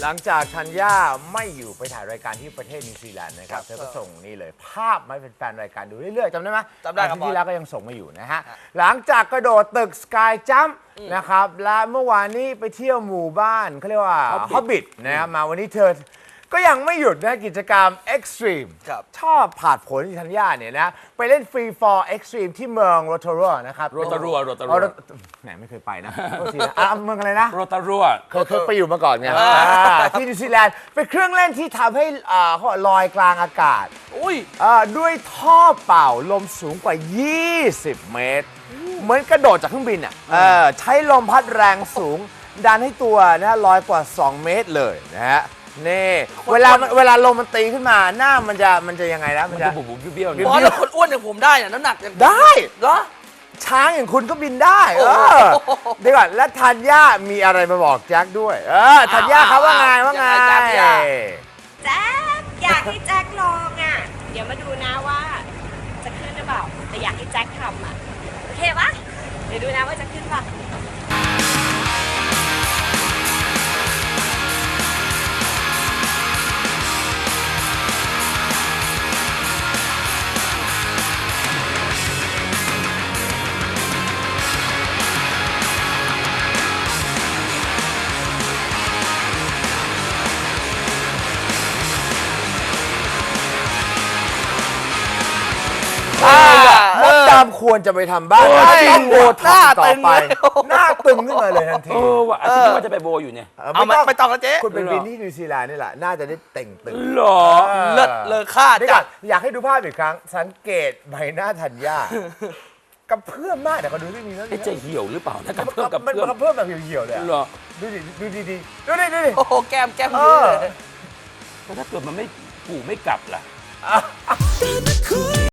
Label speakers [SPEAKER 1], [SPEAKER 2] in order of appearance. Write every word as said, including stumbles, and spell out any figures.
[SPEAKER 1] หลังจากธัญญาไม่อยู่ไปถ่ายรายการที่ประเทศนิวซีแลนด์นะครับเธอก็ส่งนี่เลยภาพมาให้แฟนๆรายการดูเรื่อยๆจำได้ไหม
[SPEAKER 2] จำได้ครับ
[SPEAKER 1] ที่แล้วก็ยังส่งมาอยู่นะฮะหลังจากกระโดดตึกสกายจัมป์นะครับและเมื่อวานนี้ไปเที่ยวหมู่บ้านเขาเรียกว่าฮอบบิทนะครับมาวันนี้เธอก็ยังไม่หยุดนะกิจกรรมเอ็กซ์ตรีมชอบผาดผลที่ธัญญาเนี่ยนะไปเล่นฟรีฟอร์เอ็กซ์ตรีมที่เมืองโรตารัวนะครับ
[SPEAKER 3] โรตารัวโรตารัว
[SPEAKER 1] แหมไม่เคยไปนะโทษทีนะอ่ะเมืองอะไรนะ
[SPEAKER 3] โรตารัว
[SPEAKER 1] เคยเคยไปอยู่มาก่อนไงที่นิวซีแลนด์เป็นเครื่องเล่นที่ทำให้อ่าเขาบอกลอยกลางอากาศ
[SPEAKER 2] อุ้ย
[SPEAKER 1] อ่าด้วยท่อเป่าลมสูงกว่า ยี่สิบ เมตร เหมือนกระโดดจากเครื่องบินอ่ะเออใช้ลมพัดแรงสูง ดันให้ตัวนะลอยกว่า สอง เมตรเลยนะฮะนี่เวลาเวลาลมมันตีขึ้นมาหน้ามันจะมันจะยังไงนะ
[SPEAKER 3] มันจะบุบบุบเบี้ยวๆ
[SPEAKER 2] บอสแล้วคนอ้วนอย่างผมได้เนี่ยน้ำหนักอย่าง
[SPEAKER 1] ได้
[SPEAKER 2] เหรอ
[SPEAKER 1] ช้างอย่างคุณก็บินได้เออเดี๋ยวก่อนแล้วธัญญามีอะไรมาบอกแจ็คด้วยเออธัญญาเขาว่าไงว่าไง
[SPEAKER 2] แจ็ค
[SPEAKER 4] แจ็คอยากให้แจ็คลองอ่ะ เดี๋ยวมาดูนะว่าจะขึ้นหรือเปล่า แต่อยากให้แจ็คทำอ่ะ โอเคปะเดี๋ยวดูนะว่าจะขึ้นปะ
[SPEAKER 1] มดดำควรจะไปทำบ้าง
[SPEAKER 2] ใช่
[SPEAKER 1] ต้องโบ
[SPEAKER 2] หน้า
[SPEAKER 1] ท็อกซ์ต่อไป
[SPEAKER 2] ตึงเลย
[SPEAKER 1] หน้าตึงขึ้นมาเลยทันที
[SPEAKER 3] เออว่ะอาทิตย์ว่าจะไปโบอยู่เนี่ย
[SPEAKER 2] เอามาไปต่อกันเจ๊
[SPEAKER 1] คุณเป็นบินที่นิวซีแลนด์นี่แหละน่าจะได้เต่งตึง
[SPEAKER 3] หรอ
[SPEAKER 2] เลิศเลอค่า
[SPEAKER 1] เดี๋ยว
[SPEAKER 2] จั
[SPEAKER 1] ก่อ
[SPEAKER 2] ด
[SPEAKER 1] นอยากให้ดูภาพอีกครั้ง สังเกตใบหน้าธัญญากระเพื่อมมากเดี๋ยวก็ดูที่นี่แล้ว
[SPEAKER 3] ไอ้จะเหี่ยวหรือเปล่าถ้ากับ
[SPEAKER 1] มัน
[SPEAKER 3] เพื่อมกับ
[SPEAKER 1] มัน
[SPEAKER 3] เพื่อม
[SPEAKER 1] กระเพื่อมแบบเหี่ยวๆเลยอะ
[SPEAKER 3] หรอ
[SPEAKER 1] ดูดิดูดีดีๆดูดิดูดิ
[SPEAKER 2] โอ้โหแก้มแก้ม
[SPEAKER 1] เอ
[SPEAKER 2] เย
[SPEAKER 1] อ
[SPEAKER 2] อะเลย
[SPEAKER 3] แล้วถ้าเกิดมันไม่กูไม่กลับล่ะ